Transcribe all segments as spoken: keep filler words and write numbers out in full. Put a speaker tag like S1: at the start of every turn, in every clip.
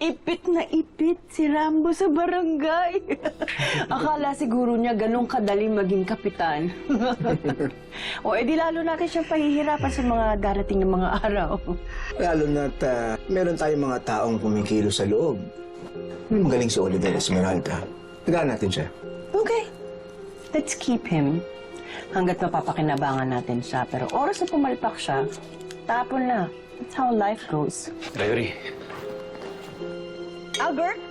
S1: Ipit na ipit si Rambo sa barangay. Akala siguro niya ganun kadali maging kapitan. O edi lalo natin siyang pahihirapan sa mga darating na mga araw.
S2: Lalo na't uh, meron tayong mga taong kumikilo sa loob. May magaling si Oliver Esmeralda. Tagaan natin siya.
S1: Okay. Let's keep him. Hanggat mapapakinabangan natin siya. Pero oras na pumalpak siya, tapon na. That's how life goes.
S3: Gregory.
S1: Albert?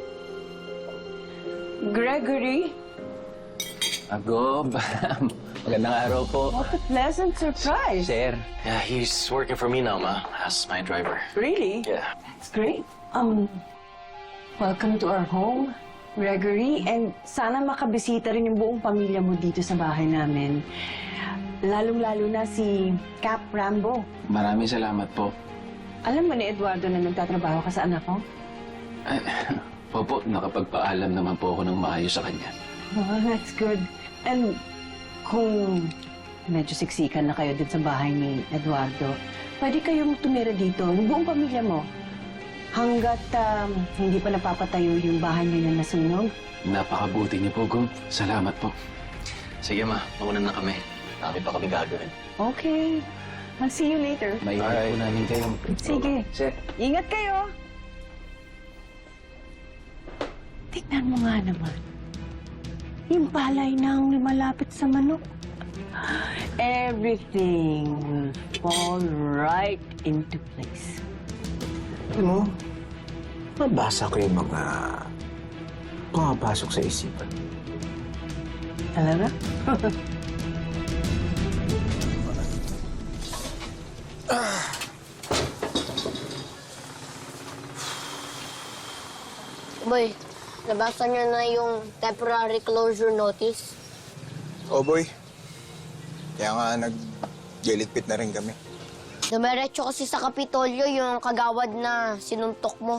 S1: Gregory?
S3: Agob. Magandang araw po.
S1: What a pleasant surprise.
S3: Sir.
S4: Yeah, he's working for me now, Ma, as my driver.
S1: Really?
S4: Yeah.
S1: It's great. Um, welcome to our home, Gregory. And sana makabisita rin yung buong pamilya mo dito sa bahay namin. Lalong-lalo na si Cap Rambo.
S3: Maraming salamat po.
S1: Alam mo ni Eduardo na nagtatrabaho ka sa anak ko?
S3: Ay, Opo, nakapagpaalam naman po ako ng maayos sa kanya.
S1: Oh, that's good. And kung medyo siksikan na kayo din sa bahay ni Eduardo, pwede kayong tumira dito, yung buong pamilya mo. Hanggat um, hindi pa napapatayo yung bahay niyo na nasunog.
S3: Napakabuti niyo po, Gob. Salamat po.
S4: Sige, Ma, mauna na kami. Dami pa kami gagawin.
S1: Okay. I'll see you later.
S3: May po namin kayo.
S1: Sige.
S3: Sir.
S1: Ingat kayo. Tignan mo nga naman. Yung palay na ang lumalapit sa manok. Everything will fall right into place.
S2: Alam mo, mabasa ko yung mga pumapasok sa isipan.
S1: Talaga?
S5: Boy, nabasa niyo na yung temporary closure notice?
S6: Oh boy. Kaya nga nag-gilitpit na rin kami.
S5: Dumiretso kasi sa Kapitolyo yung kagawad na sinuntok mo.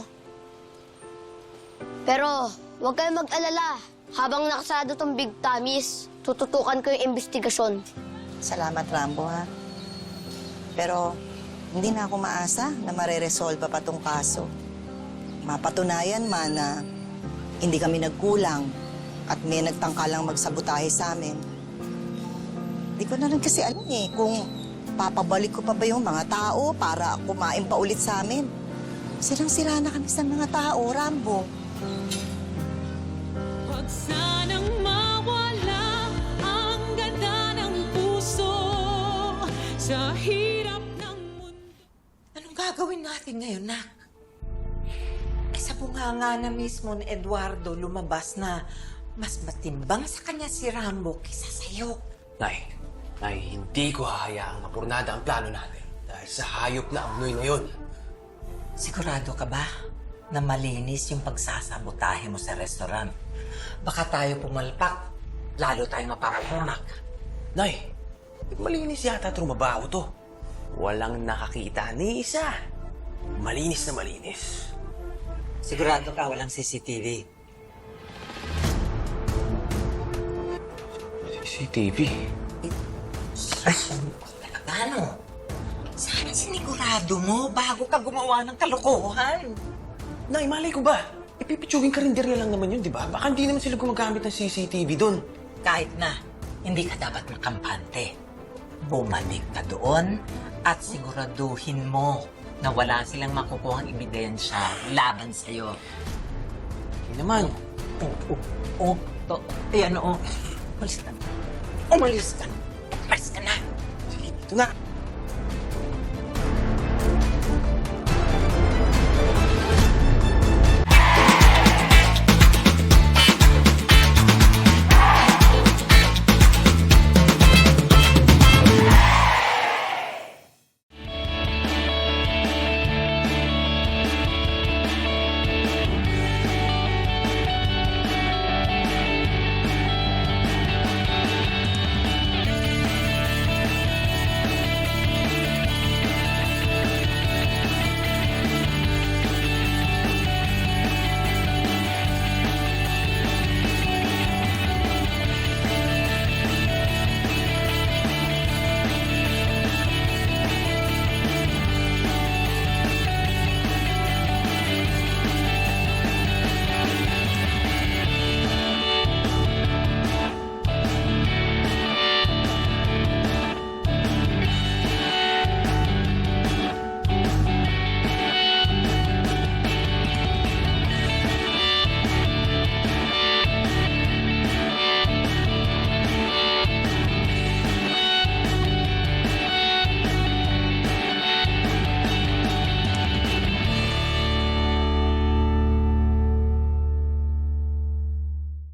S5: Pero huwag kayong mag-alala. Habang nakasado tong Big Tamis, tututukan ko yung investigasyon.
S7: Salamat, Rambo, ha? Pero hindi na ako maasa na mareresolve pa tong kaso. Mapatunayan man na hindi kami nagkulang at may nagtangkalang magsabotahe sa amin. Hindi ko na rin kasi alam eh kung papabalik ko pa ba yung mga tao para kumain pa ulit sa amin. Sirang-sira na kami sa mga tao, Rambo.
S8: Huwag sanang mawala ang ganda ng puso sa hirap ng mundo.
S9: Anong gagawin natin ngayon, Nak? Eh, sa bunganga na mismo ni Eduardo lumabas na mas matimbang sa kanya si Rambo kaysa sa'yo.
S10: Nay, Nay, hindi ko hahayaang mapurnada ang plano natin dahil sa hayop na amnoy na yun.
S9: Sigurado ka ba na malinis yung pagsasabotahe mo sa restaurant? Baka tayo pumalpak, lalo tayong mapapapunak.
S10: Nay, malinis yata trumabaho to. Walang nakakita ni isa. Malinis na malinis.
S9: Sigurado ka walang C C T V.
S10: C C T V?
S9: Ay, ano? Sana sinigurado mo bago ka gumawa ng kalokohan.
S10: Nay, malay ko ba? Ipipitsugin karinderya lang naman yun, di ba? Baka hindi naman sila gumagamit ng C C T V doon.
S9: Kahit na, hindi ka dapat makampante. Bumalik ka doon at siguraduhin mo na wala silang makukuhang ebidensya laban sa'yo.
S10: Hindi naman.
S9: Oo, oo, oo. To, ayan, oo. Umalis ka na. Umalis ka na. Umalis ka na.
S10: Sige, ito na.